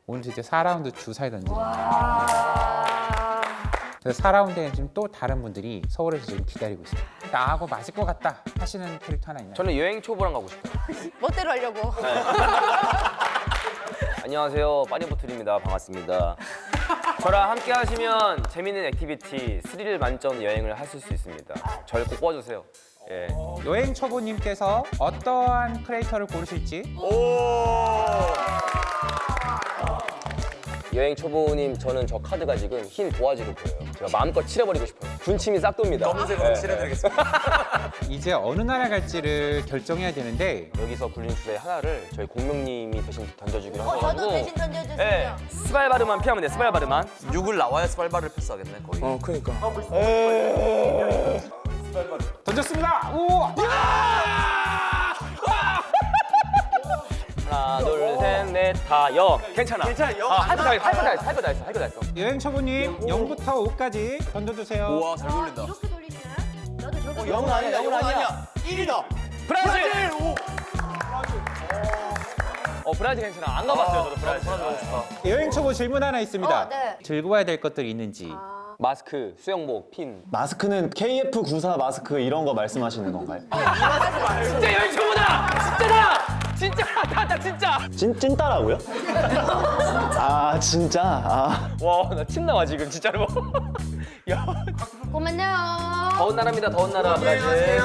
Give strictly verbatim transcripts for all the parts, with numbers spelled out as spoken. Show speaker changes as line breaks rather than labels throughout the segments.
오늘 이제 사 라운드 주사위 던지는 그래서 사 라운드에는 지금 또 다른 분들이 서울에서 지금 기다리고 있어요. 나하고 맞을 것 같다 하시는 캐릭터 하나 있나요?
저는 여행 초보랑 가고 싶어요.
멋대로 하려고.
안녕하세요, 빠니보틀입니다. 반갑습니다. 저랑 함께 하시면 재밌는 액티비티, 스릴 만점 여행을 하실 수 있습니다. 저를 꼭 뽑아주세요. 예.
여행 초보님께서 어떠한 크리에이터를 고르실지
여행 초보님, 저는 저 카드가 지금 흰 도화지로 보여요. 제가 마음껏 칠해버리고 싶어요. 군침이 싹 돕니다.
검은색으로
예.
칠해드리겠습니다.
이제 어느 나라 갈지를 결정해야 되는데
여기서 굴린 주제 하나를 저희 공명님이 대신 던져주기로
어,
하셔가지고
저도 대신 던져주세요.
예, 스발바르만 피하면 돼, 스발바르만.
육을 나와야 스발바를 패스하겠네 거의.
어, 그러니까.
던졌습니다. 오!
하나, 둘, 셋, 넷, 다, 영. 괜찮아.
괜찮아, 영.
아, 할 거 다 했어, 할 거 다 했어, 할 거 다 했어, 할 거 다 했어.
여행 초보님 영부터 오까지 던져주세요.
우와 잘 돌린다.
이렇게 돌리시나요? 나도 저거.
영은 아니야, 영은 아니야. 일이다.
브라질!
오.
어, 브라질 괜찮아. 안 가봤어요, 저도 브라질.
여행 초보 질문 하나 있습니다.
어, 네.
들고 와야 될 것들이 있는지.
마스크, 수영복, 핀.
마스크는 케이에프 구십사 마스크 이런 거 말씀하시는 건가요?
진짜 여행 초보다! 진짜다! 진짜, 나, 나 진짜!
찐, 찐따라고요? 아 진짜? 아
와, 나 침 나와, 지금, 진짜로. 야.
고만요.
더운 나라입니다, 더운 나라, 브라질.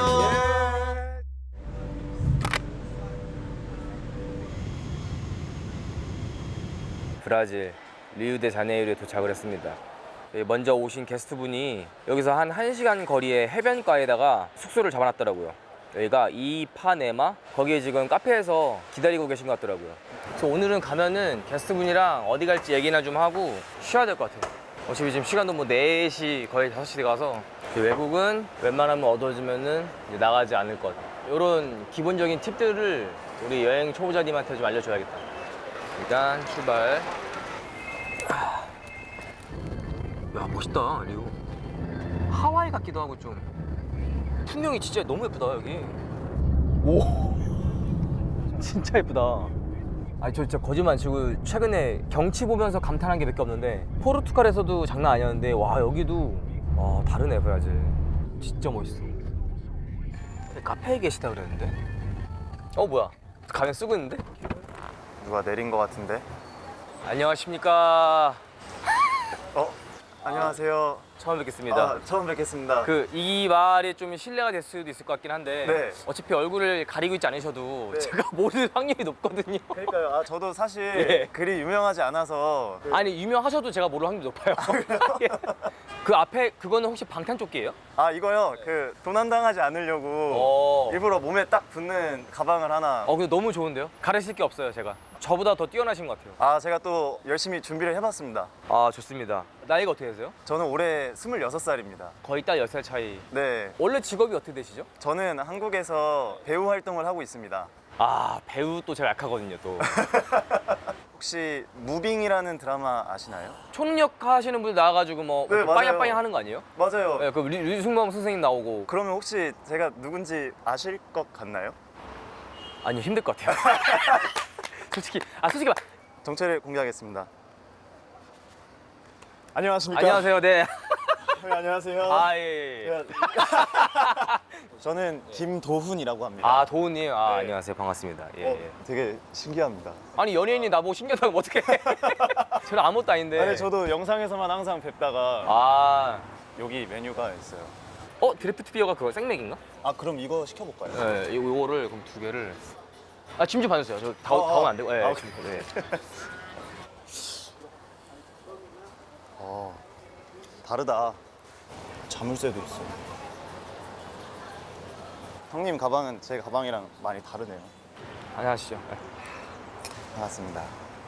브라질 리우데자네이루에 도착을 했습니다. 여기 먼저 오신 게스트분이 여기서 한 1시간 거리의 해변가에다가 숙소를 잡아놨더라고요. 여기가 이파네마? 거기에 지금 카페에서 기다리고 계신 것 같더라고요. 그래서 오늘은 가면은 게스트분이랑 어디 갈지 얘기나 좀 하고 쉬어야 될 것 같아요. 어차피 지금 시간도 뭐 네 시 거의 다섯 시 가서 외국은 웬만하면 얻어주면은 이제 나가지 않을 것. 이런 기본적인 팁들을 우리 여행 초보자님한테 좀 알려줘야겠다. 일단 출발. 아. 야, 멋있다, 리우. 하와이 같기도 하고 좀. 풍경이 진짜 너무 예쁘다, 여기. 오. 진짜 예쁘다. 아니, 저 진짜 거짓말 안 치고 최근에 경치 보면서 감탄한 게 몇 개 없는데 포르투갈에서도 장난 아니었는데 와, 여기도 와, 다르네, 브라질. 진짜 멋있어. 근데 카페에 계시다 그랬는데? 어, 뭐야? 가면 쓰고 있는데?
누가 내린 거 같은데?
안녕하십니까.
어? 안녕하세요.
처음 뵙겠습니다.
아, 처음 뵙겠습니다.
그 이 말이 좀 신뢰가 될 수도 있을 것 같긴 한데
네.
어차피 얼굴을 가리고 있지 않으셔도
네.
제가 모를 확률이 높거든요.
그러니까요. 아 저도 사실
예.
그리 유명하지 않아서
아니, 유명하셔도 제가 모를 확률이 높아요. 예. 그 앞에 그거는 혹시 방탄조끼예요?
아 이거요. 그 도난당하지 않으려고
어.
일부러 몸에 딱 붙는 가방을 하나.
어, 근데 너무 좋은데요? 가르칠 게 없어요, 제가. 저보다 더 뛰어나신 것 같아요.
아 제가 또 열심히 준비를 해봤습니다.
아, 좋습니다. 나이가 어떻게 되세요?
저는 올해 스물여섯 살입니다.
거의 딱 열 살 차이.
네.
원래 직업이 어떻게 되시죠?
저는 한국에서 배우 활동을 하고 있습니다.
아, 배우 또 제가 약하거든요, 또.
혹시 무빙이라는 드라마 아시나요?
초능력 하시는 분들 나와가지고 뭐
네, 맞아요.
빠냥빠냥 하는 거 아니에요?
맞아요.
네, 그 류- 류승범 선생님 나오고.
그러면 혹시 제가 누군지 아실 것 같나요?
아니요, 힘들 것 같아요. 솔직히, 아, 솔직히 말.
정체를 공개하겠습니다. 안녕하십니까?
안녕하세요, 네.
네, 안녕하세요.
아, 예, 예. 예.
네. 저는 김도훈이라고 합니다.
아, 도훈님. 아,
네.
안녕하세요. 반갑습니다. 예,
어,
예.
되게 신기합니다.
아니, 연예인이 나보고 신기하다고 하면 어떡해. 저는 아무것도 아닌데.
아니 저도 영상에서만 항상 뵙다가
아,
여기 메뉴가 있어요.
어, 드래프트 비어가 그거 생맥인가?
아 그럼 이거 시켜볼까요?
네, 요- 요거를 그럼 두 개를. 아, 짐 좀 봐주세요. 저 다,
어,
다 오면
어.
안 되고. 예,
아,
짐, 네.
어, 다르다. 자물쇠도 있어. 형님 가방은 제 가방이랑 많이 다르네요.
안녕하시죠. 네.
반갑습니다.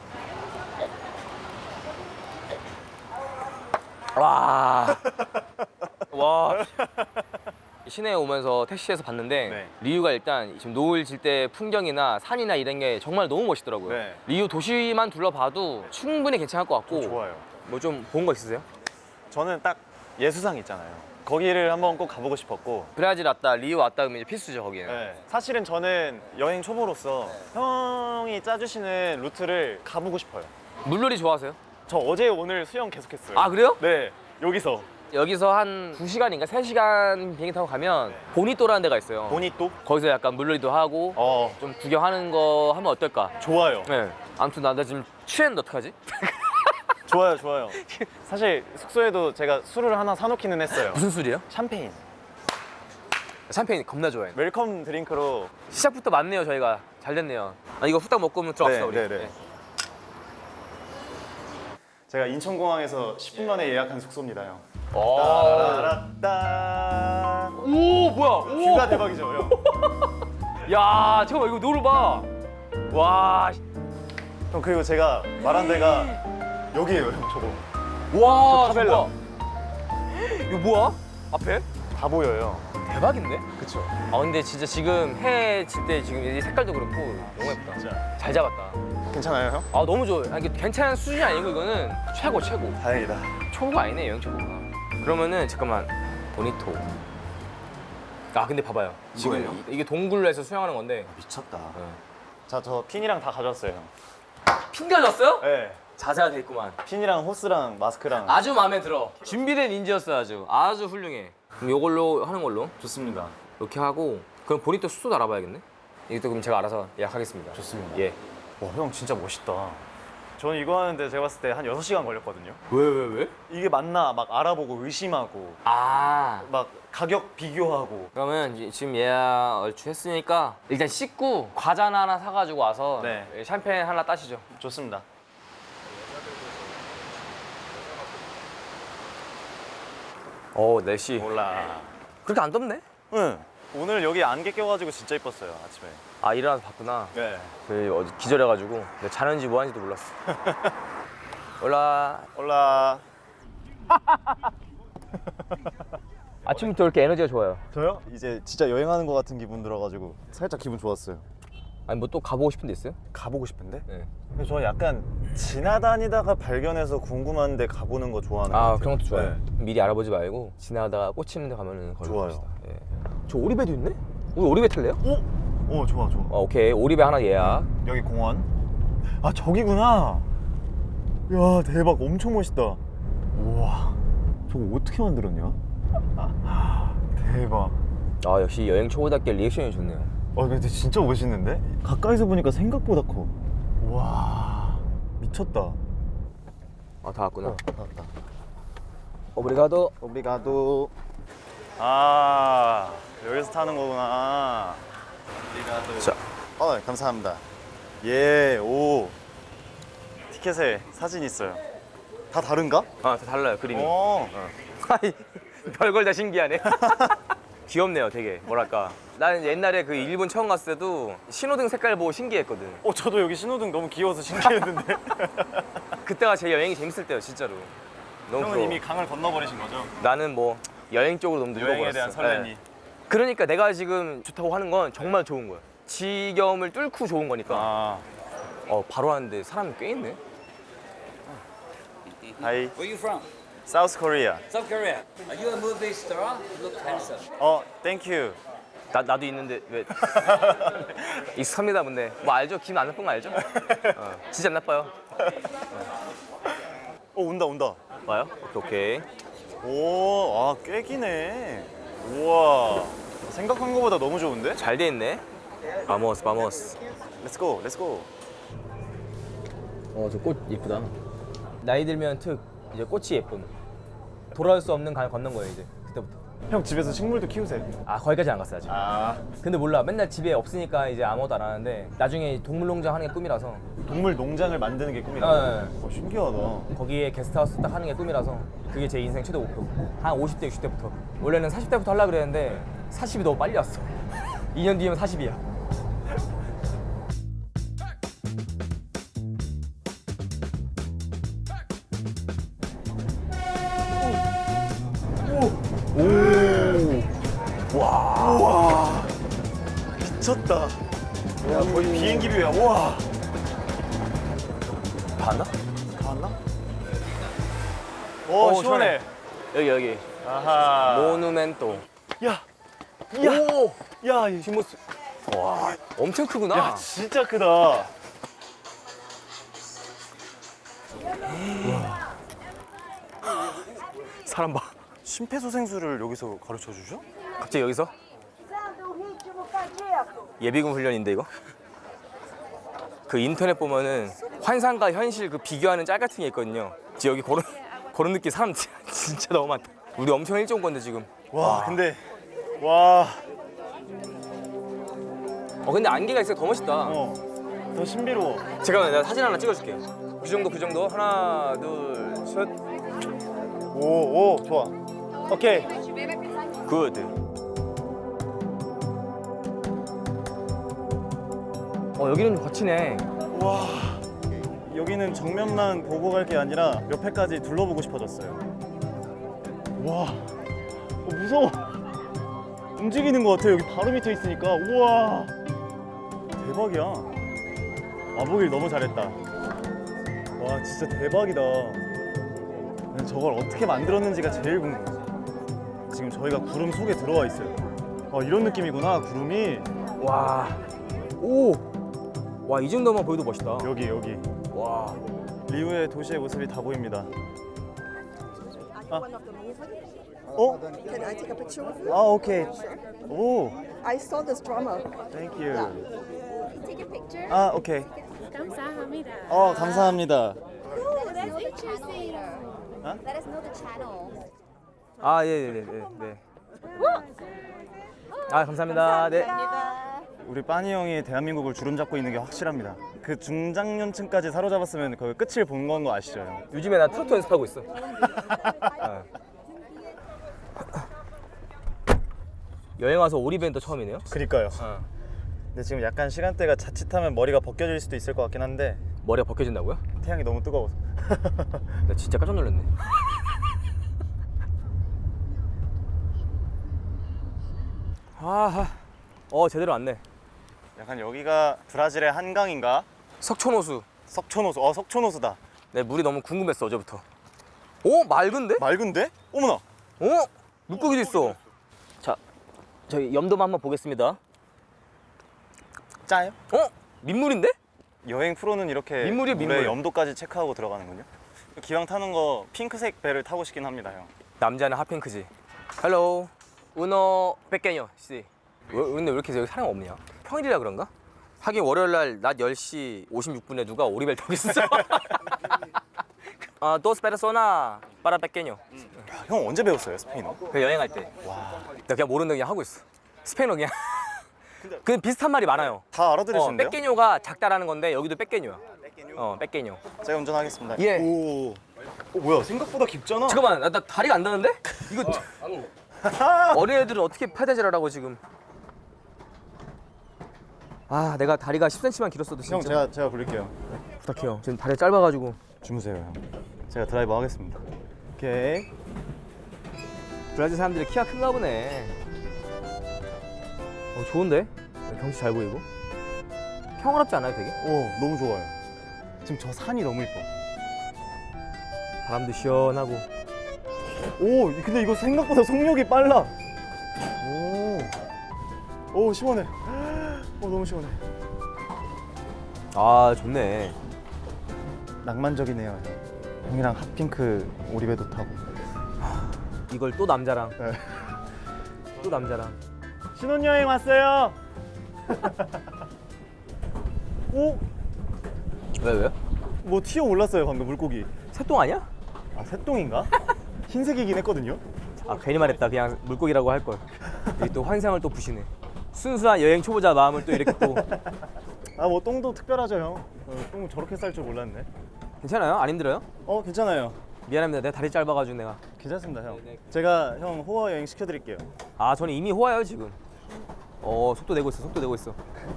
와. 와. 시내에 오면서 택시에서 봤는데
네.
리우가 일단 지금 노을 질 때 풍경이나 산이나 이런 게 정말 너무 멋있더라고요.
네.
리우 도시만 둘러봐도 충분히 괜찮을 것 같고.
좋아요.
뭐 좀 본 거 있으세요?
저는 딱 예수상 있잖아요. 거기를 한번 꼭 가보고 싶었고.
브라질 왔다, 리우 왔다 하면 이제 필수죠, 거기는.
네. 사실은 저는 여행 초보로서 형이 짜주시는 루트를 가보고 싶어요.
물놀이 좋아하세요?
저 어제 오늘 수영 계속했어요.
아 그래요?
네, 여기서.
여기서 한 두 시간인가 세 시간 비행기 타고 가면 보니또라는 데가 있어요.
보니또?
거기서 약간 물놀이도 하고
어,
좀 구경하는 거 하면 어떨까?
좋아요.
네. 아무튼 나, 나 지금 취했는데 어떡하지?
좋아요, 좋아요. 사실 숙소에도 제가 술을 하나 사놓기는 했어요.
무슨 술이에요?
샴페인.
샴페인 겁나 좋아해.
웰컴 드링크로.
시작부터 맞네요 저희가. 잘 됐네요. 아 이거 후딱 먹고 들어갑시다
네,
우리.
네, 네. 제가 인천공항에서 십 분 만에 예약한 숙소입니다, 형.
오.
따라따.
오 뭐야?
뷰가
오.
대박이죠, 형.
야 잠깐만 이거 노를 봐. 와.
형, 그리고 제가 말한 데가 여기예요, 형. 저거.
와.
저 타벨라.
저거. 이거 뭐야? 앞에?
다 보여요.
대박인데?
그쵸?
아 근데 진짜 지금 해 질 때 지금 이 색깔도 그렇고 너무 예쁘다.
진짜.
잘 잡았다.
괜찮아요, 형?
아 너무 좋아요. 아니, 이게 괜찮은 수준이 아니고 이거는 최고 최고.
다행이다.
초보가 아니네 여행 초보가. 그러면은 잠깐만 보니토. 아 근데 봐봐요. 지금
뭐예요?
이- 이게 동굴에서 수영하는 건데
미쳤다.
자, 저 핀이랑 다 가져왔어요, 형.
핀 가졌어요?
네.
자세가 돼 있구만.
핀이랑 호스랑 마스크랑.
아주 마음에 들어. 준비된 인지였어 아주. 아주 훌륭해. 그럼 이걸로 하는 걸로
좋습니다.
이렇게 하고 그럼 보니토 숙소도 알아봐야겠네. 이것도 그럼 제가 알아서 예약하겠습니다.
좋습니다.
예.
와, 형 진짜 멋있다. 저는 이거 하는데 제가 봤을 때 한 여섯 시간 걸렸거든요.
왜 왜 왜?
이게 맞나 막 알아보고 의심하고
아.
막 가격 비교하고.
그러면 이제 지금 예약 얼추 했으니까 일단 씻고 과자나 하나 사가지고 와서
네.
샴페인 하나 따시죠.
좋습니다.
오 날씨
몰라.
그렇게 안 덥네?
응. 오늘 여기 안개 껴가지고 진짜 이뻤어요, 아침에.
아 일어나서 봤구나.
네.
그 어제 기절해가지고 내가 자는지 뭐 하는지도 몰랐어. 올라.
올라.
아침부터 이렇게 에너지가 좋아요.
저요? 이제 진짜 여행하는 것 같은 기분 들어가지고 살짝 기분 좋았어요.
아니 뭐 또 가보고 싶은 데 있어요?
가보고 싶은데?
네.
근데 저 약간 지나다니다가 발견해서 궁금한데 가보는 거 좋아하는 것
아
같아요.
그런 것도 좋아요.
네.
미리 알아보지 말고 지나다가 꽂히는 데 가면은 걸로
좋아요.
갑시다. 예. 저 오리배도 있네? 우리 오리배 탈래요?
오? 오, 좋아, 좋아.
어, 오케이 오리배 하나 예약.
여기 공원. 아, 저기구나. 야, 대박. 엄청 멋있다. 우와. 저거 어떻게 만들었냐? 대박.
아 역시 여행 초보답게 리액션이 좋네요.
아, 근데 진짜 멋있는데? 가까이서 보니까 생각보다 커. 와, 미쳤다.
아 다 왔구나.
나왔다.
오브리가도.
오브리가도. 아, 여기서 타는 거구나. 오브리가도.
자.
어, 감사합니다. 예, 오. 티켓에 사진 있어요. 다 다른가?
아, 다 달라요 그림이.
어.
아이, 별걸 다 신기하네. 귀엽네요, 되게. 뭐랄까. 나는 옛날에 그 일본 처음 갔을 때도 신호등 색깔 보고 신기했거든.
어, 저도 여기 신호등 너무 귀여워서 신기했는데.
그때가 제 여행이 재밌을 때요, 진짜로. 너무
형은
부러워.
이미 강을 건너버리신 거죠?
나는 뭐 여행 쪽으로 너무
여행에
늙어버렸어.
대한 설렘이.
네. 그러니까 내가 지금 좋다고 하는 건 정말 좋은 거야. 지겨움을 뚫고 좋은 거니까.
아,
어, 바로 하는데 사람이 꽤 있네.
하이.
Where are you from?
South Korea.
South Korea. Are you a movie star? You look handsome.
어, thank you.
나, 나도 있는데 왜 익숙합니다 근데 뭐 알죠? 기분 안 나쁜 거 알죠? 어, 진짜 안 나빠요.
어, 온다, 온다.
와요? 오케이 오케이.
오, 아, 꽤 기네. 우와. 생각한 거보다 너무 좋은데?
잘 돼 있네. 바모스 바모스.
Let's go, let's go.
어 저 꽃 예쁘다. 나이 들면 특 이제 꽃이 예쁨. 돌아올 수 없는 강 건넌 거예요 이제 그때부터.
형 집에서 식물도 키우세요?
아 거기까지 안 갔어요 아직.
아,
근데 몰라 맨날 집에 없으니까 이제 아무것도 안 하는데 나중에 동물농장 하는 게 꿈이라서.
동물 농장을 만드는 게 꿈이다.
네.
어, 신기하다.
거기에 게스트하우스 딱 하는 게 꿈이라서 그게 제 인생 최대 목표. 한 오십 대 육십 대부터. 원래는 사십 대부터 하려고 그랬는데 사십이 너무 빨리 왔어. 이 년 뒤면 사십이야.
미쳤다. 야, 거의 비행기 뷰야. 우와.
봤나?
다 왔나? 오,
어,
시원해.
여기 여기.
아하.
모누멘토.
야,
오!
야, 이
뒷모습. 와, 엄청 크구나.
야, 진짜 크다.
사람 봐.
심폐소생술을 여기서 가르쳐 주죠?
갑자기 여기서? 예비군 훈련인데 이거? 그 인터넷 보면은 환상과 현실 그 비교하는 짤 같은 게 있거든요. 지금 여기 그런 그런 느낌 사람 진짜 너무 많다. 우리 엄청 일찍 온 건데 지금.
와, 근데 와,
어 근데 안개가 있어 더 멋있다.
어, 더 신비로워.
잠깐만 내가 사진 하나 찍어줄게요. 그 정도 그 정도 하나 둘 셋.
오, 오, 좋아. 오케이.
굿. 어 여기는 좀 거치네.
와, 여기는 정면만 보고 갈 게 아니라 옆에까지 둘러보고 싶어졌어요. 와, 어, 무서워. 움직이는 것 같아. 여기 바로 밑에 있으니까. 우와, 대박이야. 와보길 너무 잘했다. 와, 진짜 대박이다. 난 저걸 어떻게 만들었는지가 제일 궁금해. 지금 저희가 구름 속에 들어와 있어요. 아, 이런 느낌이구나, 구름이.
와. 오. 와 이 정도만 보여도 멋있다.
여기, 여기.
와.
리우의 도시의 모습이 다 보입니다. 아. 어?
Can I take a picture with you?
아, 오케이. 오,
I saw this drama.
thank you.
Take a picture.
아, 오케이.
감사합니다.
어, 감사합니다.
Let us know the channel later.
Huh?
Let us know the channel.
아 예예예 네, 네, 네. 아 감사합니다. 네.
우리 빠니 형이 대한민국을 주름잡고 있는 게 확실합니다. 그 중장년층까지 사로잡았으면 그 끝을 본 건 거 아시죠? 형?
요즘에 나 트로트 연습하고 있어. 어. 여행 와서 오리밴드 처음이네요.
그니까요.
어.
근데 지금 약간 시간대가 자칫하면 머리가 벗겨질 수도 있을 것 같긴 한데
머리가 벗겨진다고요?
태양이 너무 뜨거워서.
나 진짜 깜짝 놀랐네. 아, 어 제대로 왔네.
약간 여기가 브라질의 한강인가?
석촌호수.
석촌호수. 어, 석촌호수다.
내 물이 너무 궁금했어 어제부터. 오 맑은데?
맑은데? 어머나.
어? 물고기도 있어. 자, 저희 염도만 한번 보겠습니다.
짜요?
어? 민물인데?
여행 프로는 이렇게
민물이에요,
물의
민물.
염도까지 체크하고 들어가는군요. 기왕 타는 거 핑크색 배를 타고 싶긴 합니다, 형.
남자는 핫핑크지. 헬로. 우노 백개녀 씨. 왜, 근데 왜 이렇게 여기 사람 없냐? 평일이라 그런가? 하긴 월요일 날 낮 열 시 오십육 분에 누가 오리벨 타고 있어. 아, 도스 페르소나 파라 백개녀.
야, 형 언제 배웠어요, 스페인어?
그 여행할 때. 와. 나 그냥 모르는 그냥 하고 있어. 스페인어 그냥. 그 비슷한 말이 많아요.
다
어,
알아들으시는데요?
백개녀가 작다라는 건데 여기도 백개녀야. 어, 백개녀.
제가 운전하겠습니다.
예.
오. 어, 뭐야? 생각보다 깊잖아.
잠깐만, 나, 나 다리가 안 닿는데? 이거 어린애들은 어떻게 페데질을 하고 지금? 아, 내가 다리가 십 센티미터만 길었어도 진짜.
형, 제가 제가 부를게요.
부탁해요. 지금 다리가 짧아가지고.
주무세요, 형. 제가 드라이버 하겠습니다. 오케이.
브라질 사람들이 키가 큰가 보네. 어, 좋은데? 경치 잘 보이고. 평화롭지 않아요, 되게?
오, 너무 좋아요. 지금 저 산이 너무 이뻐.
바람도 시원하고.
오, 근데 이거 생각보다 속력이 빨라. 오, 오 시원해. 오, 너무 시원해.
아, 좋네.
낭만적이네요, 형. 형이랑 핫핑크 오리배도 타고.
이걸 또 남자랑.
네.
또 남자랑.
신혼여행 왔어요. 오,
왜, 왜?
뭐 튀어 올랐어요 방금 물고기.
새똥 아니야?
아, 새똥인가? 흰색이긴 했거든요.
아, 괜히 말했다. 그냥 물고기라고 할 걸. 여기 또 환상을 또 부시네. 순수한 여행 초보자 마음을 또 이렇게 또.
아, 뭐 똥도 특별하죠, 형. 어, 똥 저렇게 쌀 줄 몰랐네.
괜찮아요? 안 힘들어요?
어, 괜찮아요.
미안합니다. 내가 다리 짧아가지고 내가.
괜찮습니다, 형. 제가 형 호화 여행 시켜드릴게요.
아, 저는 이미 호화요 지금. 어, 속도 내고 있어. 속도 내고 있어.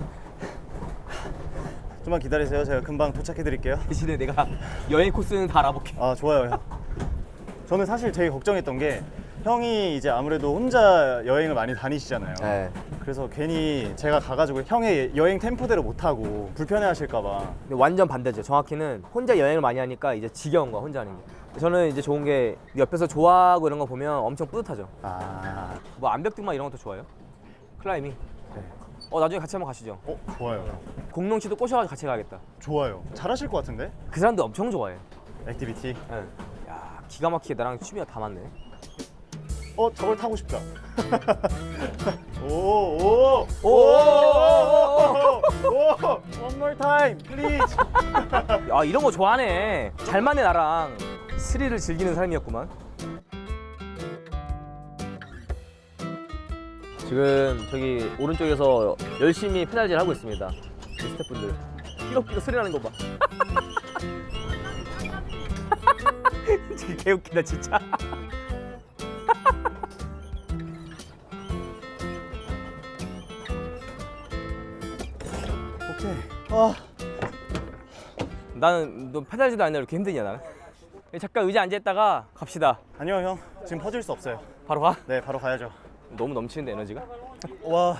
좀만 기다리세요. 제가 금방 도착해드릴게요.
대신에 내가 여행 코스는 다 알아볼게.
아, 좋아요, 형. 저는 사실 제일 걱정했던 게 형이 이제 아무래도 혼자 여행을 많이 다니시잖아요.
네.
그래서 괜히 제가 가가지고 형의 여행 템포대로 못 타고 불편해하실까봐.
근데 완전 반대죠. 정확히는 혼자 여행을 많이 하니까 이제 지겨운 거야, 혼자 하는 게. 저는 이제 좋은 게 옆에서 좋아하고 이런 거 보면 엄청 뿌듯하죠.
아,
뭐 암벽등반 이런 것도 좋아요. 클라이밍.
네.
어, 나중에 같이 한번 가시죠.
어, 좋아요.
공룡 씨도 꼬셔가지고 같이 가야겠다.
좋아요. 잘하실 것 같은데?
그 사람도 엄청 좋아해.
액티비티.
네. 야 기가 막히게 나랑 취미가 다 맞네.
어, 저걸 타고 싶다. 오, 오, 오,
오!
오, 오, one more time, please.
야 이런 거 좋아하네. 잘 맞네 나랑. 스릴을 즐기는 삶이었구만. 지금 저기 오른쪽에서 열심히 페달질 하고 있습니다. 우리 스태프분들. 삐걱삐걱 소리 나는 거 봐. 진짜 개웃기다 진짜.
오케이. 아,
나는 너 페달질도 안 해. 이렇게 힘드냐 나는. 잠깐 의자 앉아있다가 갑시다.
아니요, 형. 지금 퍼질 수 없어요.
바로 가.
네, 바로 가야죠.
너무 넘치는데 에너지가.
와,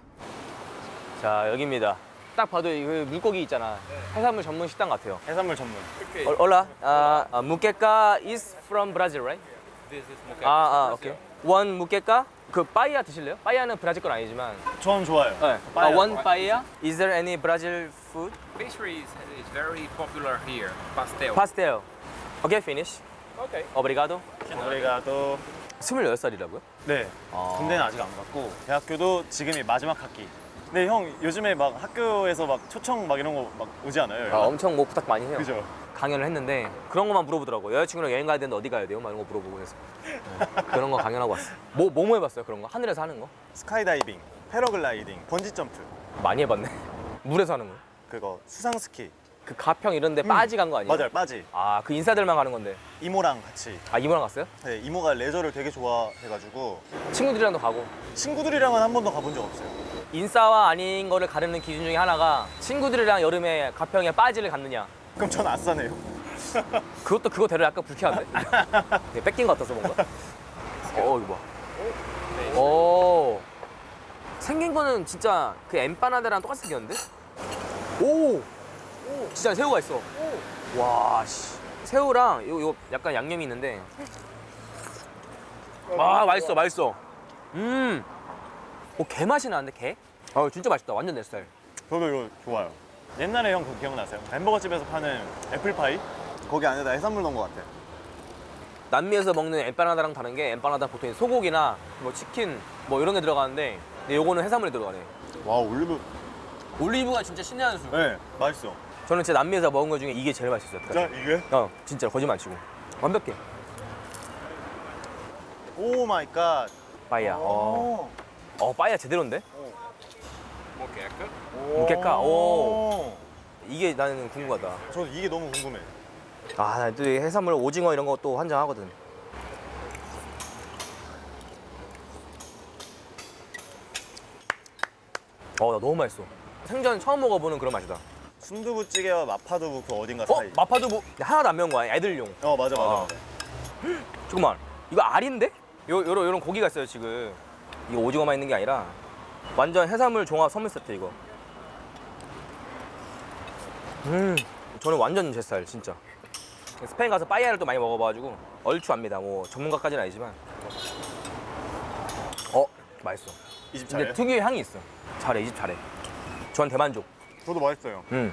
자 여기입니다. 딱 봐도 이 물고기 있잖아. 해산물 전문 식당 같아요.
해산물 전문.
어, Hola, uh, uh, muqueca is from Brazil, right?
This is moqueca.
아, 아, 오케이. One muqueca. 그 빠이야 드실래요? 빠이야는 브라질 건 아니지만.
전 좋아요.
네.
빠이야.
Uh, one paella. Is there any Brazil food?
Pastry is, is very popular here. Pastel.
Pastel. Okay, finish.
Okay.
Obrigado.
우리가 또
스물여덟 살이라고요?
네,
아.
군대는 아직 안 갔고 대학교도 지금이 마지막 학기. 근데 형 요즘에 막 학교에서 막 초청 막 이런 거 막 오지 않아요?
아, 엄청 뭐 부탁 많이 해요.
그죠?
강연을 했는데 그런 것만 물어보더라고요. 여자친구랑 여행 가야 되는데 어디 가야 돼요? 막 이런 거 물어보고 해서 네. 그런 거 강연하고 왔어. 뭐, 뭐, 뭐 해봤어요? 그런 거? 하늘에서 하는 거?
스카이다이빙, 패러글라이딩, 번지 점프,
많이 해봤네. 물에서 하는 거?
그거 수상 스키.
그 가평 이런 데 빠지 간 거 아니에요?
맞아요, 빠지.
아, 그 인싸들만 가는 건데.
이모랑 같이.
아, 이모랑 갔어요?
네, 이모가 레저를 되게 좋아해가지고
친구들이랑도 가고.
친구들이랑은 한 번도 가본 적 없어요.
인싸와 아닌 거를 가르는 기준 중에 하나가 친구들이랑 여름에 가평에 빠지를 갔느냐.
그럼 전 아싸네요.
그것도 그거대로 약간 불쾌한데? 되게 뺏긴 것 같아서 뭔가. 어, 이거 봐. 오. 생긴 거는 진짜 그 엠파나다랑 똑같이 생겼는데? 오! 진짜 새우가 있어. 와, 씨. 새우랑 요, 요 약간 양념이 있는데. 아, 맛있어, 맛있어. 음. 오, 게 맛이 나는데, 게? 아, 진짜 맛있다. 완전 내 스타일.
저도 이거 좋아요. 옛날에 형 그거 기억나세요? 햄버거 집에서 파는 애플파이? 거기 안에다 해산물 넣은 것 같아.
남미에서 먹는 엠파나다랑 다른 게 엠파나다 보통 소고기나 뭐 치킨 뭐 이런 게 들어가는데 근데 요거는 해산물이 들어가네.
와, 올리브.
올리브가 진짜 신의 한 수.
네, 맛있어.
저는 진짜 남미에서 먹은 것 중에 이게 제일 맛있었어요.
자, 이게?
어, 진짜 거짓말 안 치고. 완벽해.
오 마이 갓.
빠이야. 어, 어 빠이야 제대로인데?
Moqueca.
무게가. 오. 이게 나는 궁금하다.
저도 이게 너무 궁금해.
아, 나 또 해산물 오징어 이런 거 또 환장하거든. 어, 나 너무 맛있어. 생전 처음 먹어보는 그런 맛이다.
순두부찌개와 마파두부 그 어딘가
어?
사이.
마파두부 하나도 안 매운 거야. 애들용.
어, 맞아, 맞아.
아.
맞아.
잠깐만. 이거 알인데? 요, 요런, 요런 고기가 있어요, 지금. 이거 오징어만 있는 게 아니라 완전 해산물 종합 선물 세트, 이거. 음, 저는 완전 제 스타일, 진짜. 스페인 가서 빠이야를 또 많이 먹어봐가지고 얼추 압니다. 뭐 전문가까지는 아니지만. 어, 맛있어.
이 집
근데
잘해.
특유의 향이 있어. 잘해, 이 집 잘해. 전 대만족.
저도 맛있어요.
음.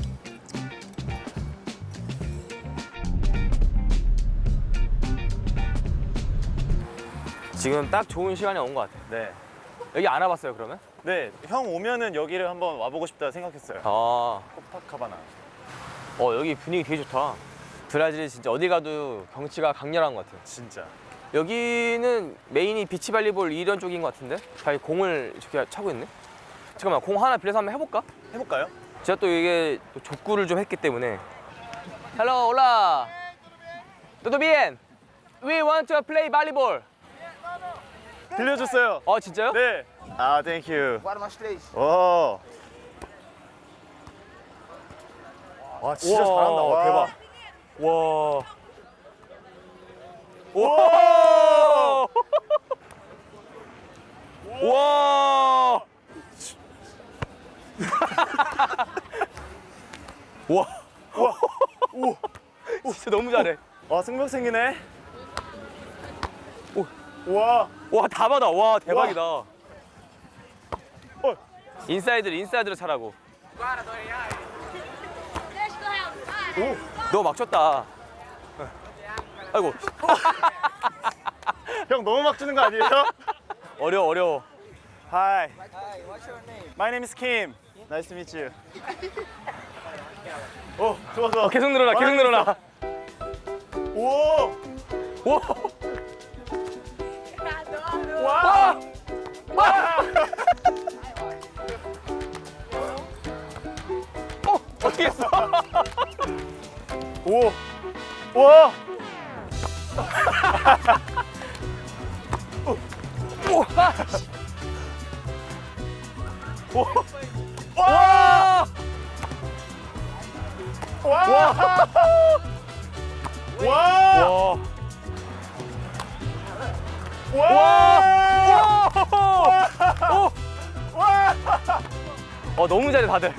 지금 딱 좋은 시간이 온 것 같아.
네.
여기 안 와봤어요, 그러면?
네, 형 오면은 여기를 한번 와보고 싶다 생각했어요.
아,
코파카바나.
어 여기 분위기 되게 좋다. 브라질 진짜 어디 가도 경치가 강렬한 것 같아요.
진짜.
여기는 메인이 비치발리볼 이런 쪽인 것 같은데? 자기 공을 저기 차고 있네? 잠깐만, 공 하나 빌려서 한번 해볼까?
해볼까요?
제가 또 이게 또 족구를 좀 했기 때문에. Hello, hola. Todo bien? We want to play volleyball.
빌려줬어요.
어, 진짜요?
네. 아, 땡큐. 와. 와, 진짜
우와,
잘한다. 와.
대박. 와. 와. 와. 와. 와. 오. 진짜 너무 잘해.
와, 승부생이네.
오.
와.
와, 다 받아. 와, 대박이다.
어.
인사이드를 인사이드로 차라고.
오.
너 막 쳤다. 아이고.
형 너무 막 주는 거 아니에요?
어려워 어려워.
Hi. My name is Kim. Nice to meet you. 오, 좋아 좋아.
어, 계속 늘어나 계속 늘어나.
오!
와. 와. 와. 어 어떻게 했어?
오! 와! 오! 와! 와! 와! 와! 와!
와.
와!
어 너무 잘해 다들.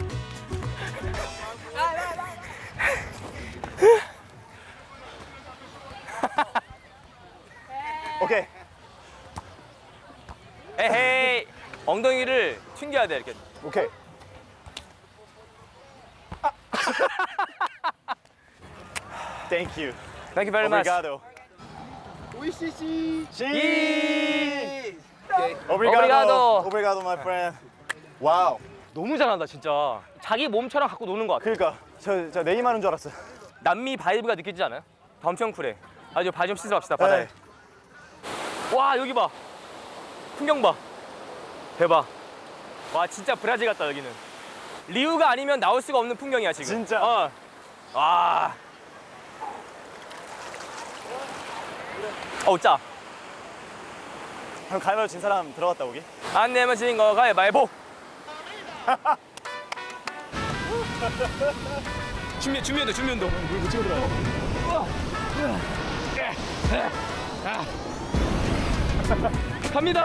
오케이.
에헤이. 엉덩이를 튕겨야 돼 이렇게.
오케이. Thank you.
Thank you very much.
Obrigado.
이.
Obrigado.
Obrigado.
Obrigado, my friend. 와우.
너무 잘한다 진짜. 자기 몸처럼 갖고 노는 것 같아.
그러니까 저, 저 네이마르인 줄 알았어요.
남미 바이브가 느껴지지 않아요? 다 엄청 쿨해. 아주 발 좀 씻으러 갑시다 바다에. 와 여기 봐. 풍경 봐. 대박. 와 진짜 브라질 같다 여기는. 리우가 아니면 나올 수가 없는 풍경이야 지금.
진짜?
어. 와. 어우 짜.
그럼 가위바위보 진 사람 들어갔다 오기?
안 내면 지는 거 가위바위보. 준비 준비운동 준비운동. 물 찍어 들어. 갑니다.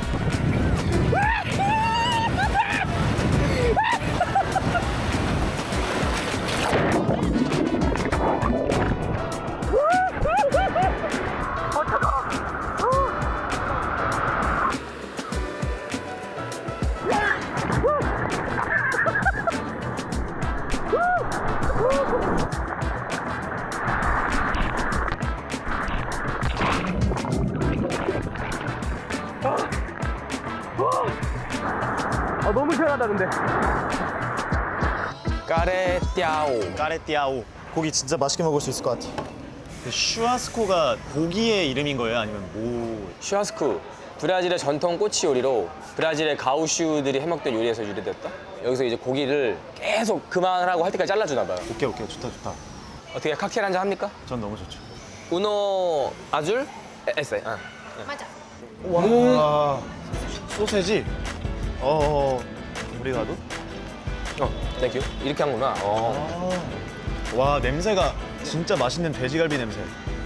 아 너무 시원하다 근데. 까레띠아오.
까레띠아오. 고기 진짜 맛있게 먹을 수 있을 것 같아. 그 슈아스코가 고기의 이름인 거예요? 아니면 뭐?
슈아스쿠. 브라질의 전통 꼬치 요리로 브라질의 가우슈들이 해먹던 요리에서 유래됐다. 여기서 이제 고기를 계속 그만하라고 할 때까지 잘라주나 봐요.
오케이 오케이 좋다 좋다.
어떻게 칵테일 한잔 합니까?
전 너무 좋죠.
우노 아줄 에세. 아.
맞아.
와 소세지. 어 우리가도?
어, 땡큐. 이렇게 한구나. 어.
아, 와 냄새가 진짜 맛있는 돼지갈비 냄새.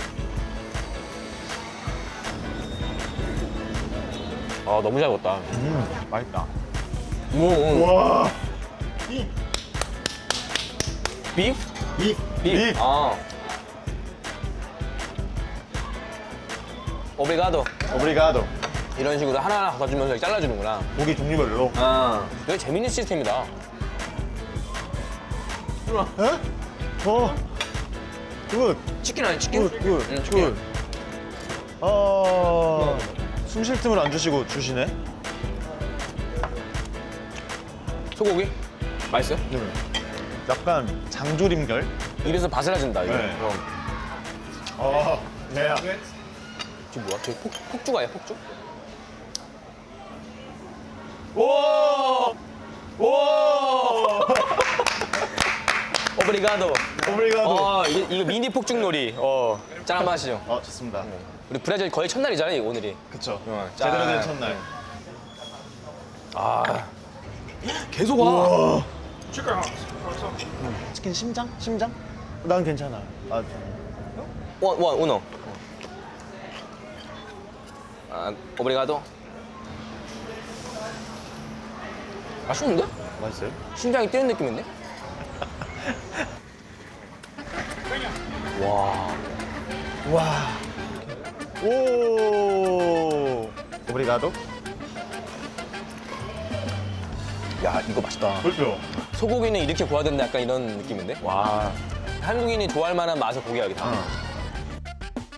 아 너무 잘 익었다.
음 맛있다.
음, 음.
와.
비프?
비.
비프. 아. 오브리가도.
오브리가도.
이런 식으로 하나하나 갖다주면서 잘라주는구나.
고기 종류별로.
아. 되게 재밌는 시스템이다.
에? 어. 굿.
치킨 아니 치킨?
굿. 굿.
응,
굿.
치킨.
아. 숨 쉴 틈을 안 주시고 주시네.
소고기? 맛있어요?
네. 약간 장조림결.
입에서 바스라진다 이거.
네.
어.
어. 네.
저 뭐야? 저 폭, 폭죽아야 폭죽?
오. 오.
오브리가도.
오브리가도.
어, 이거, 이거 미니 폭죽놀이. 어. 짠 한번 하시죠.
어 좋습니다.
우리 브라질 거의 첫날이잖아요, 이거 오늘이.
그쵸.
어,
제대로
짠.
된 첫날.
아. 계속 와.
우와. 치킨 심장? 심장? 난 괜찮아. 아,
원, 원, 우노. 아, 오브리가도. 맛있는데?
맛있어요?
심장이 뛰는 느낌인데? 와.
와. 오. 오브리가도?
야, 이거 맛있다.
그렇죠.
소고기는 이렇게 구워야 된다 약간 이런 느낌인데? 와. 한국인이 좋아할 만한 맛의 고기야겠다.
어.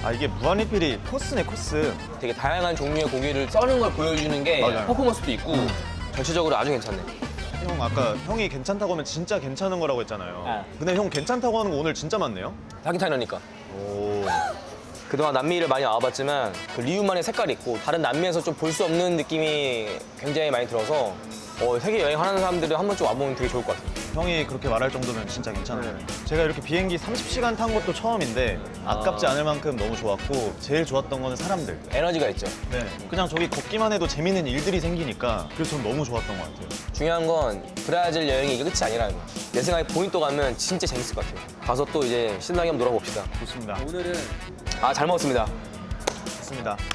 아 이게 무한리필이 코스네 코스.
되게 다양한 종류의 고기를 써는 걸 보여주는 게
맞아요.
퍼포먼스도 있고 전체적으로 아주 괜찮네.
형 아까 형이 괜찮다고 하면 진짜 괜찮은 거라고 했잖아요. 근데 형 괜찮다고 하는 거 오늘 진짜 많네요.
닭이 타이러니까.
오.
그동안 남미를 많이 와봤지만 그 리우만의 색깔이 있고 다른 남미에서 좀 볼 수 없는 느낌이 굉장히 많이 들어서 어, 세계 여행하는 사람들은 한 번쯤 와보면 되게 좋을 것 같아요.
형이 그렇게 말할 정도면 진짜 괜찮아요. 제가 이렇게 비행기 삼십 시간 탄 것도 처음인데 아깝지 않을 만큼 너무 좋았고 제일 좋았던 거는 사람들.
에너지가 있죠.
네. 그냥 저기 걷기만 해도 재밌는 일들이 생기니까 그래서 전 너무 좋았던 것 같아요.
중요한 건 브라질 여행이 이게 끝이 아니라는 거. 내 생각에 포인트 가면 진짜 재밌을 것 같아요. 가서 또 이제 신나게 한번 놀아봅시다.
좋습니다.
오늘은 아 잘 먹었습니다.
좋습니다.